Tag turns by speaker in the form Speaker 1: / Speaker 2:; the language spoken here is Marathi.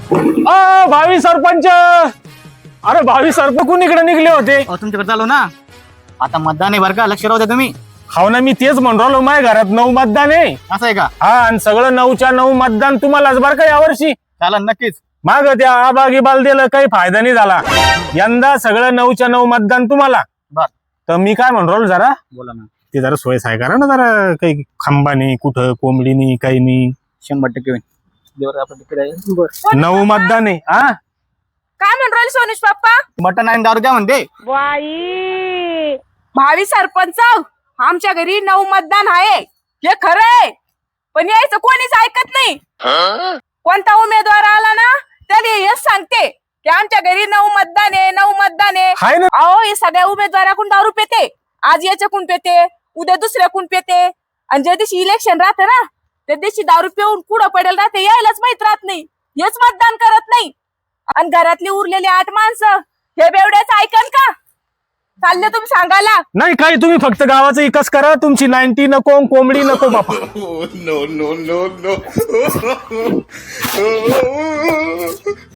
Speaker 1: भावी सरपंच, अरे भावी सरपंच कोण इकडे निघले होते?
Speaker 2: तुमच्याकडे चालू ना, आता मतदान आहे बरं का, लक्ष राहू द्या तुम्ही.
Speaker 1: हाव ना, मी तेच म्हणून राहिलो, माझ्या घरात 9 मतदान आहे.
Speaker 2: असं आहे का?
Speaker 1: हा, आणि सगळं 9च्या 9 मतदान तुम्हालाच बरं का यावर्षी.
Speaker 2: चालेल नक्कीच.
Speaker 1: माग त्या आबागिबाल दिलं काही फायदा नाही झाला. यंदा सगळं 9च्या 9 मतदान तुम्हाला.
Speaker 2: बर,
Speaker 1: तर मी काय म्हणून राहिलो, जरा
Speaker 2: बोला ना.
Speaker 1: ते जरा सोय साय करा ना, जरा काही खांबा नाही, कुठं कोंबडी नाही, काही नाही.
Speaker 2: 100% होईल. देवर आपलं तिकडे आहे.
Speaker 1: 9 मतदान आहे. हा,
Speaker 3: काय म्हणून राहिले सोनुष पप्पा?
Speaker 2: मटण आणि दारू द्या म्हणते.
Speaker 3: बाई, भावी सरपंच, आमच्या घरी 9 मतदान आहे हे खरं आहे, पण यायचं कोणीच ऐकत नाही. कोणता उमेदवार आला ना त्याला हेच सांगते की आमच्या घरी 9 मतदान आहे, 9 मतदान आहे.
Speaker 1: हाय ना.
Speaker 3: अहो, हे सगळ्या उमेदवाराकडून दारू पेते. आज याच्याकडून पेते, उद्या दुसऱ्याकडून पेते, आणि ज्या दिवशी इलेक्शन राहते ना त्या दिवशी दारू पिऊन कुठं पडेल राहते यायलाच माहित राहत नाही, हेच मतदान करत नाही. आणि घरातली उरलेली 8 माणसं हे बेवड्याच ऐकन का? चालले तुम्ही सांगायला?
Speaker 1: नाही काही, तुम्ही फक्त गावाचा विकास करा. तुमची 90 नको, कोंबडी नको बापा.
Speaker 4: no, no, no, no.